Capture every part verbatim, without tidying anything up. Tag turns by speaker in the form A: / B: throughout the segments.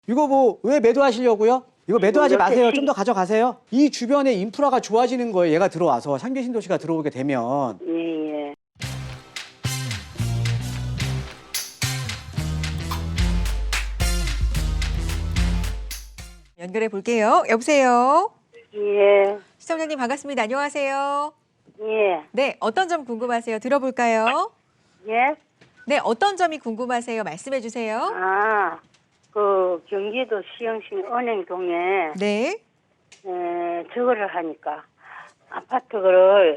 A: 이거 뭐 왜 매도하시려고요? 이거 매도하지
B: 이거
A: 마세요.
B: 시-
A: 좀 더 가져가세요. 이 주변에 인프라가 좋아지는 거예요. 얘가 들어와서 상계 신도시가 들어오게 되면.
B: 예, 예.
C: 연결해 볼게요. 여보세요.
B: 예,
C: 시청자님 반갑습니다. 안녕하세요.
B: 예,
C: 네, 어떤 점 궁금하세요? 들어볼까요?
B: 예.
C: 네, 어떤 점이 궁금하세요? 말씀해 주세요.
B: 아, 그 경기도 시흥시 은행동에
C: 네.
B: 에, 저거를 하니까 아파트를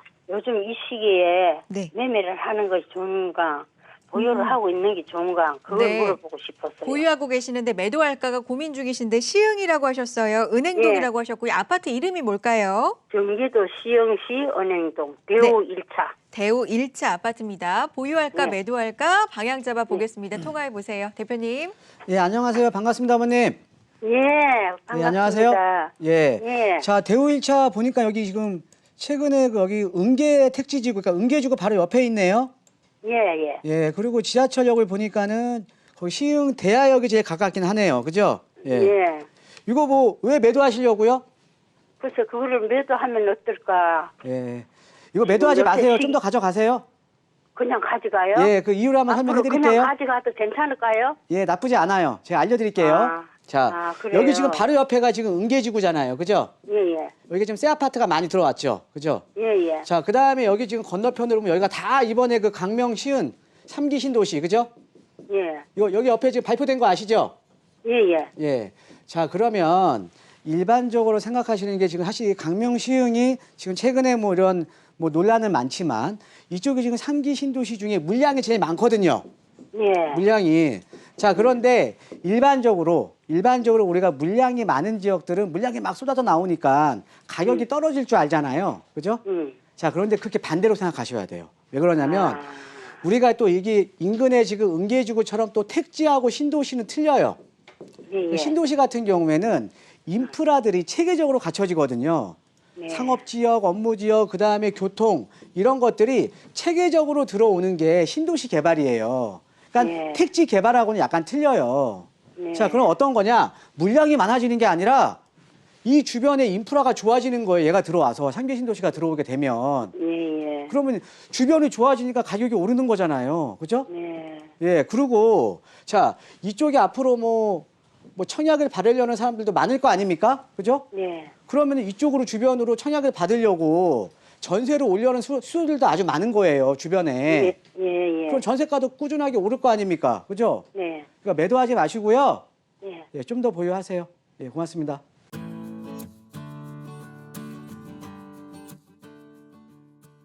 B: 요즘 이 시기에
C: 네.
B: 매매를 하는 것이 좋은가, 보유를 하고 있는 게 좋은가, 그걸
C: 네.
B: 물어보고 싶었어요.
C: 보유하고 계시는데 매도할까가 고민 중이신데 시흥이라고 하셨어요. 은행동이라고 하셨고요. 아파트 이름이 뭘까요?
B: 경기도 시흥시 은행동 대우 일 차.
C: 대우 일 차 아파트입니다. 보유할까
B: 네.
C: 매도할까 방향 잡아 보겠습니다. 통화해 보세요. 대표님.
A: 예, 안녕하세요. 반갑습니다, 아버님.
B: 예, 반갑습니다.
A: 예, 안녕하세요. 예.
B: 예.
A: 자, 대우 일 차 보니까 여기 지금 최근에 그 여기 은계 택지지구, 그러니까 은계지구 바로 옆에 있네요.
B: 예, 예.
A: 예, 그리고 지하철역을 보니까는 거기 시흥 대하역이 제일 가깝긴 하네요. 그죠? 예.
B: 예.
A: 이거 뭐 왜 매도하시려고요?
B: 그래서 그거를 매도하면 어떨까?
A: 예. 이거 매도하지
B: 옆에
A: 마세요.
B: 시-
A: 좀 더 가져가세요.
B: 그냥 가져가요?
A: 예, 그 이유를 한번
B: 앞으로
A: 설명해
B: 그냥
A: 드릴게요.
B: 가져가도 괜찮을까요?
A: 예, 나쁘지 않아요. 제가 알려드릴게요.
B: 아,
A: 자,
B: 아, 그래요?
A: 여기 지금 바로 옆에가 지금 은계지구잖아요. 그죠?
B: 예, 예.
A: 여기 지금 새 아파트가 많이 들어왔죠. 그죠?
B: 예, 예.
A: 자, 그 다음에 여기 지금 건너편으로 보면 여기가 다 이번에 그 강명 시은 삼 기 신도시. 그죠?
B: 예.
A: 요, 여기 옆에 지금 발표된 거 아시죠?
B: 예, 예.
A: 예. 자, 그러면 일반적으로 생각하시는 게 지금 사실 강명 시흥이 지금 최근에 뭐 이런 뭐 논란은 많지만 이쪽이 지금 삼 기 신도시 중에 물량이 제일 많거든요.
B: 예.
A: 물량이. 자, 그런데 일반적으로 일반적으로 우리가 물량이 많은 지역들은 물량이 막 쏟아져 나오니까 가격이
B: 음.
A: 떨어질 줄 알잖아요. 그죠?
B: 음.
A: 자, 그런데 그렇게 반대로 생각하셔야 돼요. 왜 그러냐면
B: 아,
A: 우리가 또 이게 인근에 지금 은계지구처럼 또 택지하고 신도시는 틀려요.
B: 예, 예.
A: 신도시 같은 경우에는 인프라들이 체계적으로 갖춰지거든요.
B: 네.
A: 상업지역, 업무지역, 그 다음에 교통 이런 것들이 체계적으로 들어오는 게 신도시 개발이에요. 그러니까
B: 네.
A: 택지 개발하고는 약간 틀려요.
B: 네.
A: 자, 그럼 어떤 거냐? 물량이 많아지는 게 아니라 이 주변에 인프라가 좋아지는 거예요. 얘가 들어와서 상계 신도시가 들어오게 되면.
B: 예, 예.
A: 그러면 주변이 좋아지니까 가격이 오르는 거잖아요. 그죠?
B: 네.
A: 예, 그리고 자, 이쪽에 앞으로 뭐, 뭐 청약을 받으려는 사람들도 많을 거 아닙니까? 그죠?
B: 네.
A: 그러면 이쪽으로 주변으로 청약을 받으려고 전세를 올려는 수, 수요들도 아주 많은 거예요, 주변에.
B: 예, 예, 예.
A: 그럼 전세가도 꾸준하게 오를 거 아닙니까? 그죠?
B: 네.
A: 그러니까 매도하지 마시고요.
B: 예.
A: 예, 좀 더 보유하세요. 예, 고맙습니다.